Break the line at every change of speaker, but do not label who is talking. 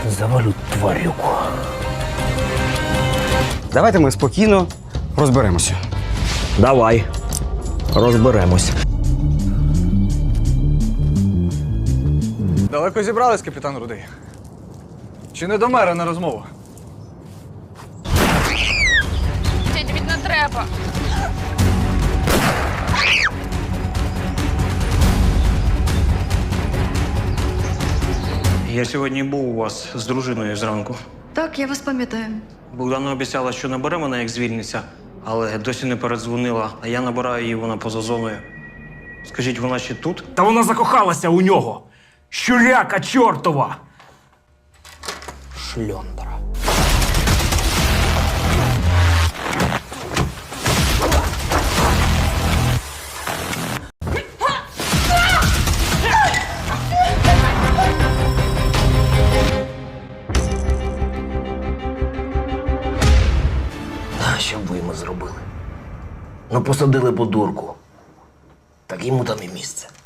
завалю тварюку.
Давайте ми спокійно розберемося.
Давай, розберемось.
Далеко зібрались, капітан Рудий? Чи не до мера на розмову?
Дядь, від не треба.
Я сьогодні був у вас з дружиною зранку.
Так, я вас пам'ятаю.
Богдана обіцяла, що набере мене, як звільниться, але досі не передзвонила, а я набираю її, вона поза зоною. Скажіть, вона ще тут?
Та вона закохалася у нього. Щуляка чортова. Шльондра.
А що б ви йому зробили? Ну, посадили б у дурку. Так йому там і місце.